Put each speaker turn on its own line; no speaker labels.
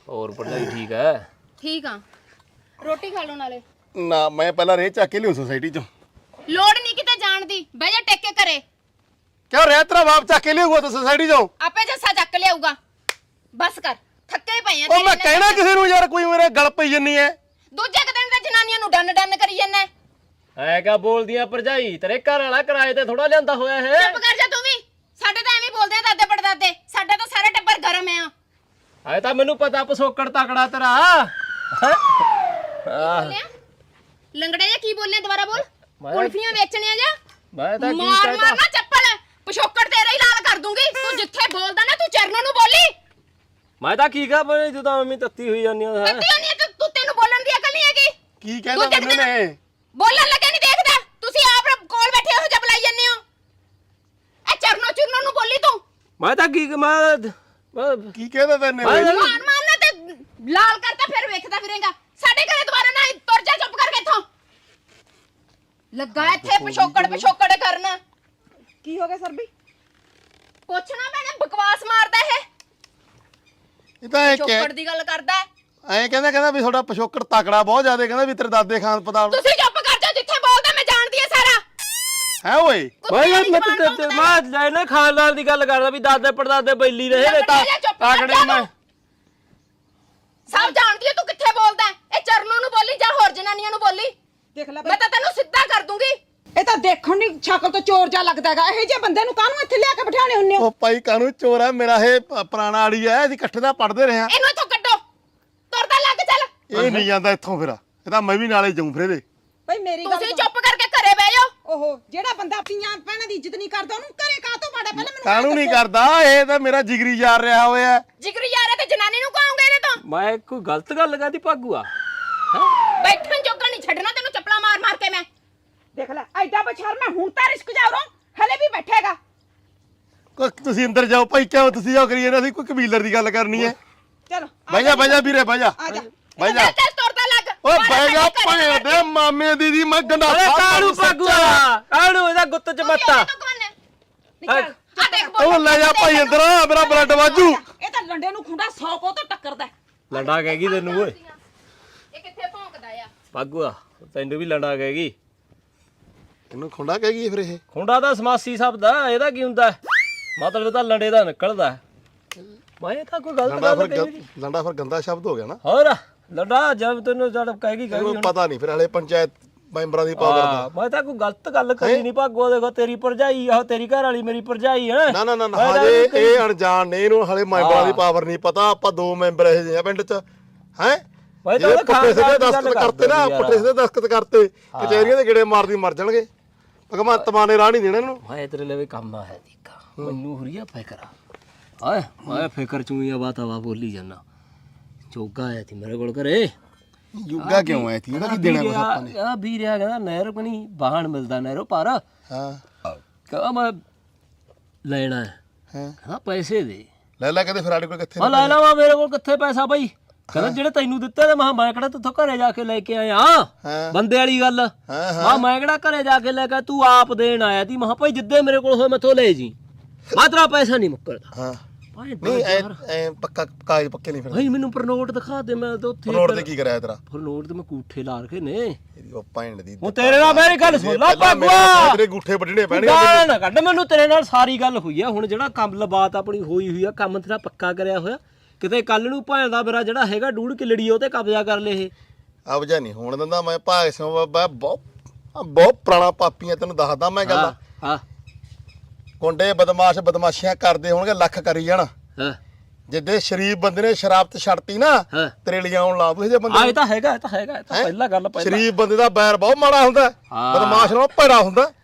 ਹੋਰ ਭਰਜਾਈ ਠੀਕ ਹੈ?
ਠੀਕ ਆ। ਰੋਟੀ ਖਾ ਲਓ ਨਾਲੇ।
ਨਾ ਮੈਂ ਪਹਿਲਾਂ ਰੇ ਚੱਕ ਕੇ ਲਿਓ ਸੋਸਾਇਟੀ ਚੋਂ।
ਲੋੜ ਨਹੀਂ ਕਿਤੇ ਜਾਣ ਦੀ, ਬਹਿ ਜਾ ਟੇਕ ਕੇ ਘਰੇ।
ਕਿਉਂ ਰੇ ਤੇਰਾ ਬਾਪ ਚੱਕ ਕੇ ਲਿਆਊਗਾ ਤਾਂ ਸੋਸਾਇਟੀ ਚੋਂ?
ਆਪੇ ਜੱਸਾ ਚੱਕ ਲਿਆਊਗਾ। ਬਸ ਕਰ, ਥੱਕੇ ਪਏ ਆ।
ਉਹ ਮੈਂ ਕਹਿਣਾ ਕਿਸੇ ਨੂੰ ਯਾਰ ਕੋਈ ਮੇਰੇ ਗਲ ਪਈ ਜੰਨੀ ਐ।
ਦੂਜੇ ਦਿਨ ਤਾਂ ਜਨਾਨੀਆਂ ਨੂੰ ਡੰਨ ਡੰਨ ਕਰੀ ਜਾਂਦਾ।
ਐ ਕਿਆ ਬੋਲਦੀਆਂ ਭਰਜਾਈ? ਤੇਰੇ ਘਰ ਵਾਲਾ ਕਿਰਾਏ ਤੇ ਥੋੜਾ ਲਿਆਂਦਾ ਹੋਇਆ ਹੈ।
ਚੁੱਪ ਕਰ ਜਾ ਤੂੰ ਵੀ। ਸਾਡੇ ਤਾਂ ਐਵੇਂ ਬੋਲਦੇ ਆ ਦਾਦੇ ਪੜਦਾਦੇ। ਸਾਡਾ ਤਾਂ ਸਾਰਾ ਟੱਬਰ ਗਰਮ ਆ।
ਐ ਤਾਂ ਮੈਨੂੰ ਪਤਾ ਪਸੋਕੜ ਤਕੜਾ ਤੇਰਾ।
ਬੋਲਿਆ ਲੰਗੜੇ ਜਾਂ ਕੀ ਬੋਲਿਆ? ਦੁਬਾਰਾ ਬੋਲ। ਕੁਲਫੀਆਂ ਵੇਚਣੀਆਂ ਜਾਂ
ਮੈਂ ਤਾਂ ਕੀ
ਮਾਰ
ਕਹਿਤਾ?
ਮਾਰ ਨਾ ਚੱਪਲ। ਪਿਛੋਕੜ ਤੇਰਾ ਹੀ ਲਾਲ ਕਰ ਦੂੰਗੀ। ਤੂੰ ਜਿੱਥੇ ਬੋਲਦਾ ਨਾ ਤੂੰ ਚਰਨੋਂ ਨੂੰ ਬੋਲੀ।
ਮੈਂ ਤਾਂ ਕੀ ਕਹਾਂ ਬਈ ਤੂੰ ਤਾਂ ਮੰਮੀ ਤੱਤੀ ਹੋਈ ਜਾਂਦੀ ਆ।
ਤੱਤੀ ਹੋਣੀ ਹੈ ਤੂੰ। ਤੈਨੂੰ ਬੋਲਣ ਦੀ ਅਕਲ ਨਹੀਂ ਹੈਗੀ।
ਕੀ ਕਹਿੰਦਾ ਮੈਨੂੰ ਨੇ?
ਬੋਲਣ ਲੱਗਿਆ ਨਹੀਂ ਦੇਖਦਾ। ਤੁਸੀਂ ਆਪ ਕੋਲ ਬੈਠੇ ਹੋ ਜਾਂ ਬੁਲਾਈ ਜਾਂਦੇ ਹੋ। ਇਹ ਚਰਨੋਂ ਨੂੰ ਬੋਲੀ ਤੂੰ।
ਮੈਂ ਤਾਂ ਕੀ
ਕੀ ਕਹਿੰਦਾ ਤੈਨੇ?
ਮਾਰ ਮਾਰਨਾ ਤੇ ਲਾਲ ਕਰਤਾ ਫਿਰ ਵੇਖਦਾ ਫਿਰੇਗਾ। ਸਾਡੇ ਘਰੇ ਦੁਬਾਰਾ ਨਾ ਤੁਰ ਜਾ ਚੁੱਪ ਕਰਕੇ ਇੱਥੋਂ। ਲੱਗਾ ਇੱਥੇ ਪਿਛੋਕੜ ਕਰਨ।
ਕੀ ਹੋ ਗਿਆ ਸਰਬੀ?
ਪੁੱਛਣਾ ਮੈਨੇ ਬਕਵਾਸ ਮਾਰਦਾ
ਇਹ ਤਾਂ ਐ
ਪਿਛੋਕੜ ਦੀ ਗੱਲ ਕਰਦਾ।
ਐ ਕਹਿੰਦਾ ਵੀ ਤੁਹਾਡਾ ਪਿਛੋਕੜ ਤਕੜਾ ਬਹੁਤ ਜ਼ਿਆਦਾ। ਕਹਿੰਦਾ ਵੀ ਤੇਰੇ ਦਾਦੇ ਖਾਨ ਪਤਾਲ।
ਤੁਸੀਂ ਚੁੱਪ ਕਰ ਜਾ। ਜਿੱਥੇ ਬੋਲਦਾ ਮੈਂ ਜਾਣਦੀ ਆ ਸਾਰਾ।
ਹੈ ਓਏ
ਮੈਂ ਲੈਣੇ ਖਾਨਦਾਨ ਦੀ ਗੱਲ ਕਰਦਾ ਵੀ ਦਾਦੇ ਪੜਦਾਦੇ ਬੈਲੀ ਰਹੇ ਨੇ ਤਾਂ ਤਾਕੜੇ ਮੈਂ
ਸਭ ਜਾਣਦੀ ਆ ਤੂੰ ਕਿੱਥੇ ਬੋਲਦਾ। ਇਹ ਚਰਨੋਂ ਨੂੰ ਬੋਲੀ ਜਾਂ ਹੋਰ ਜਨਾਨੀਆਂ ਨੂੰ ਬੋਲੀ।
ਦੇਖ ਲੈ
ਮੈਂ ਤਾਂ ਤੈਨੂੰ ਸਿੱਧਾ ਕਰ ਦੂੰਗੀ।
ਇਹ ਤਾਂ ਦੇਖਣ ਦੀ ਸ਼ਕਲ ਤੋਂ ਚੋਰ ਜਾ ਲੱਗਦਾ ਹੈਗਾ। ਇਹੋ ਜਿਹੇ ਬੰਦੇ ਨੂੰ ਕਾਹਨੂੰ ਇੱਥੇ ਲਿਆ ਕੇ ਬਿਠਾਉਣੇ ਹੁੰਨੇ ਹੋ?
ਉਹ ਭਾਈ ਕਾਹਨੂੰ ਚੋਰ ਆ? ਮੇਰਾ ਇਹ ਪੁਰਾਣਾ ਆੜੀ ਐ। ਅਸੀਂ ਇਕੱਠੇ ਦਾ ਪੜਦੇ ਰਹੇ ਆ।
ਇਹਨੂੰ ਇੱਥੋਂ ਕੱਢੋ। ਤੁਰਦਾ ਲੱਗ ਚੱਲ।
ਇਹ ਨਹੀਂ ਜਾਂਦਾ ਇੱਥੋਂ ਫਿਰ। ਇਹ ਤਾਂ ਮੈਂ ਵੀ ਨਾਲੇ ਜਾਊਂ ਫਿਰ ਇਹਦੇ।
ਬਈ ਮੇਰੀ ਗੱਲ
ਤੁਸੀਂ ਚੁੱਪ ਕਰਕੇ ਘਰੇ ਬਹਿ ਜਾਓ।
ਓਹੋ, ਜਿਹੜਾ ਬੰਦਾ ਆਪਣੀਆਂ ਭੈਣਾਂ ਦੀ ਇੱਜ਼ਤ ਨਹੀਂ ਕਰਦਾ ਉਹਨੂੰ ਘਰੇ ਕਾਹਤੋਂ ਬਾੜਾ? ਪਹਿਲਾਂ ਮੈਨੂੰ
ਕਾਹਨੂੰ ਨਹੀਂ ਕਰਦਾ? ਇਹ ਤਾਂ ਮੇਰਾ ਜਿਗਰੀ ਯਾਰ ਰਿਹਾ ਹੋਇਆ।
ਜਿਗਰੀ ਯਾਰ ਹੈ ਤੇ ਜਨਾਨੀ ਨੂੰ ਕਹਾਂਗੇ ਇਹਨੇ ਤਾਂ।
ਮੈਂ ਕੋਈ ਗਲਤ ਗੱਲ ਕਰਦੀ ਭਾਗੂਆ?
ਬੈਠਣ ਜੋਗਾ ਨਹੀਂ ਛੱਡਣਾ ਤੈਨੂੰ ਚੱਪਲਾਂ ਮਾਰ ਮਾਰ ਕੇ ਮੈਂ।
ਦੇਖ ਲੈ ਐਡਾ ਬਛਰ ਮੈਂ ਹੁਣ ਤਾਂ ਰਿਸਕ ਜਾ ਰਹਾ ਹਲੇ ਵੀ ਬੈਠੇਗਾ।
ਤੁਸੀਂ ਅੰਦਰ ਜਾਓ ਭਾਈ। ਕਿਉਂ ਤੁਸੀਂ ਜਾਓ ਕਰੀਏ ਨਾ? ਅਸੀਂ ਕੋਈ ਕਬੀਲਰ ਦੀ ਗੱਲ ਕਰਨੀ ਹੈ।
ਚਲੋ
ਬਹਿ ਜਾ ਵੀਰੇ ਬਹਿ ਜਾ।
ਆ ਜਾ।
ਬਹਿ ਜਾ।
ਚੱਲ ਤੁਰਦਾ ਲੱਗ।
ਓਏ ਬਹਿ ਜਾ ਭੈਣ ਦੇ ਮਾਮੇ ਦੀ ਮੈਂ ਗੰਡਾ
ਅਰੇ ਕਾਹਨੂੰ ਭਾਗੂਆ? ਕਾਹਨੂੰ ਇਹਦਾ ਗੁੱਤ ਚ ਮੱਤਾ?
ਨਿਕਲ।
ਆ ਦੇਖ
ਉਹ ਲੈ ਜਾ ਭਾਈ ਅੰਦਰ। ਮੇਰਾ ਬਲੱਡ ਵਾਜੂ।
ਇਹ ਤਾਂ ਲੰਡੇ ਨੂੰ ਖੁੰਡਾ 100 ਕੋ ਤੋਂ ਟੱਕਰਦਾ।
ਲੰਡਾ ਕਹਿਗੀ ਤੈਨੂੰ ਓਏ?
ਇਹ ਕਿੱਥੇ ਭੌਂਕਦਾ ਆ?
ਭਾਗੂਆ ਤੈਨੂੰ ਵੀ ਲੰਡਾ ਕਹਿਗੀ।
ਇਹਨੂੰ ਖੁੰਡਾ ਕਹਿ ਗਈ ਫਿਰ ਇਹ?
ਖੁੰਡਾ ਦਾ ਸਮਾਸੀ ਸ਼ਬਦ ਆ। ਇਹਦਾ ਕੀ ਹੁੰਦਾ? ਮਤਲਬ ਤਾਂ ਲੰਡੇ ਦਾ ਨਿਕਲਦਾ। ਮੈਂ ਤਾਂ ਕੋਈ ਗਲਤ ਗੱਲ ਕਹੀ।
ਲੰਡਾ ਫਿਰ ਗੰਦਾ ਸ਼ਬਦ ਹੋ ਗਿਆ ਨਾ।
ਹੋਰ ਲੰਡਾ ਜਦ ਤੈਨੂੰ ਜਦ ਕਹਿਗੀ
ਇਹਨੂੰ ਪਤਾ ਨਹੀਂ ਫਿਰ ਹਲੇ ਪੰਚਾਇਤ ਮੈਂਬਰਾਂ ਦੀ ਪਾਵਰ ਦਾ।
ਮੈਂ ਤਾਂ ਕੋਈ ਗਲਤ ਗੱਲ ਕਰੀ ਨਹੀਂ ਭਾਗੋ। ਦੇਖੋ ਤੇਰੀ ਭਰਜਾਈ ਆ, ਤੇਰੀ ਘਰ ਵਾਲੀ ਮੇਰੀ ਭਰਜਾਈ ਹੈ।
ਨਾ ਹਜੇ ਇਹ ਅਣਜਾਣ ਨੇ। ਇਹਨੂੰ ਹਲੇ ਮੈਂਬਰਾਂ ਦੀ ਪਾਵਰ ਨਹੀਂ ਪਤਾ। ਆਪਾਂ 2 ਮੈਂਬਰ ਇਹ ਜਿਹੇ ਆ ਪਿੰਡ 'ਚ। ਹੈ ਜਿਹੜੇ ਪੁੱਠੇ ਸਿੱਧੇ ਦਸਤਖਤ ਕਰਤੇ ਨਾ, ਪੁੱਠੇ ਸਿੱਧੇ ਦਸਤਖਤ ਕਰਤੇ, ਕਚਹਿਰੀਆਂ ਦੇ ਗੇੜੇ ਮਾਰਦੀ ਮਰ ਜਾਣਗੇ। ਭਗਵੰਤ ਮਾਨ ਨੇ ਰਾਹ ਨਹੀਂ ਦੇਣਾ ਇਹਨੂੰ।
ਮੈਂ ਤੇਰੇ ਲਈ ਕੰਮ ਆ ਹੈ ਦੀਕਾ। ਮੈਨੂੰ ਹੁਰੀਆ ਫਿਕਰ ਆ। ਮੈਂ ਫਿਕਰ ਚੂਈ ਆ ਬਾਤਾਵਾ ਬੋਲੀ ਜਾਨਾ। ਚੋਗਾ ਆਇਆ ਸੀ ਮੇਰੇ ਕੋਲ ਘਰੇ।
ਯੁੱਗਾ ਕਿਉਂ ਆਇਆ ਸੀ? ਉਹਦਾ ਕੀ ਦੇਣਾ ਕੁਛ ਆਪਾਂ ਨੇ?
ਆ ਵੀਰਿਆ ਕਹਿੰਦਾ ਨਹਿਰ ਕਣੀ ਬਾਹਣ ਮਿਲਦਾ ਨਹਿਰੋਂ ਪਰ।
ਹਾਂ
ਕਹਿੰਦਾ ਮੈਂ ਲੈਣਾ
ਹਾਂ
ਹਾਂ ਪੈਸੇ ਦੇ।
ਲੈ ਕਹਿੰਦੇ ਫਿਰ ਸਾਡੇ ਕੋਲ ਕਿੱਥੇ?
ਮੈਂ ਲੈ ਲਵਾਂ, ਮੇਰੇ ਕੋਲ ਕਿੱਥੇ ਪੈਸਾ ਬਈ? ਕਹਿੰਦਾ ਜਿਹੜੇ ਤੈਨੂੰ ਦਿੱਤੇ ਨੇ। ਮੈਂ ਕਿਹੜਾ ਤੂੰ ਘਰੇ ਜਾ ਕੇ ਲੈ ਕੇ ਆਇਆ? ਬੰਦੇ ਵਾਲੀ ਗੱਲ। ਮੈਂ ਕਿਹੜਾ ਘਰੇ ਜਾ ਕੇ ਲੈ ਕੇ? ਤੂੰ ਆਪ ਦੇਣ ਆਇਆ ਤੀ। ਮੈਂ ਭਾਈ ਜਿੱਦੇ ਮੇਰੇ ਕੋਲ ਹੋਏ ਮੈਥੋਂ ਲੈ ਜੀ। ਮੈਂ ਤੇਰਾ ਪੈਸਾ ਨਹੀਂ ਮੁੱਕਰਦਾ।
ਹਾਂ ਨਹੀਂ ਐ ਪੱਕਾ ਕਾਗਜ਼ ਪੱਕੇ ਨਹੀਂ ਫਿਰ?
ਭਾਈ ਮੈਨੂੰ ਪਰਨੋਟ ਦਿਖਾ ਦੇ। ਮੈਂ ਤਾਂ ਉੱਥੇ
ਨੋਟ ਤੇ ਕੀ ਕਰਾਇਆ ਤੇਰਾ?
ਪਰਨੋਟ ਤੇ ਮੈਂ ਕੂਠੇ ਲਾ ਰਖੇ ਨੇ।
ਇਹਦੀ ਉਹ ਭੈਣ ਦੀ।
ਉਹ ਤੇਰੇ ਨਾਲ ਮੇਰੀ ਗੱਲ ਸੁਣ ਲਾ ਭਾਗਵਾ।
ਤੇਰੇ ਗੁੱਠੇ ਵੱਢਣੇ ਪੈਣਗੇ।
ਗਾਲ ਨਾ ਕੱਢ ਮੈਨੂੰ। ਤੇਰੇ ਨਾਲ ਸਾਰੀ ਗੱਲ ਹੋਈ ਆ। ਹੁਣ ਜਿਹੜਾ ਕੰਮ ਲਬਾਤ ਆਪਣੀ ਹੋਈ ਆ, ਕੰਮ ਤੇਰਾ ਪੱਕਾ ਕਰਿਆ ਹੋਇਆ। ਕਿਤੇ ਕੱਲ ਨੂੰ ਭਾਂ ਦਾ ਮੇਰਾ ਜਿਹੜਾ ਹੈਗਾ 2.5 ਕਿੱਲੜੀ ਉਹ ਤੇ ਕਬਜ਼ਾ ਕਰ ਲੇ। ਇਹ
ਅਬਜਾ ਨਹੀਂ ਹੋਣ ਦਿੰਦਾ ਮੈਂ। ਭਾਗ ਸਿੰਘ ਬਾਬਾ ਬਹੁਤ ਪੁਰਾਣਾ ਪਾਪੀ ਆ। ਤੈਨੂੰ ਦੱਸਦਾ ਮੈਂ ਗੱਲ।
ਹਾਂ
ਗੁੰਡੇ ਬਦਮਾਸ਼ੀਆਂ ਕਰਦੇ ਹੋਣਗੇ ਲੱਖ ਕਰੀ ਜਾਣ।
ਹਾਂ
ਜਿੱਦੇ ਸ਼ਰੀਫ ਬੰਦੇ ਨੇ ਸ਼ਰਾਬ ਤੇ ਛੱਡਤੀ ਨਾ, ਤਰੇਲੀਆਂ ਆਉਣ ਲਾ ਦੂ। ਇਹ ਬੰਦੇ
ਇਹ ਤਾਂ ਹੈਗਾ। ਇਹ ਤਾਂ ਪਹਿਲਾਂ ਗੱਲ।
ਸ਼ਰੀਫ ਬੰਦੇ ਦਾ ਬੈਰ ਬਹੁਤ ਮਾੜਾ ਹੁੰਦਾ। ਬਦਮਾਸ਼ ਨਾਲ ਭੈੜਾ ਹੁੰਦਾ।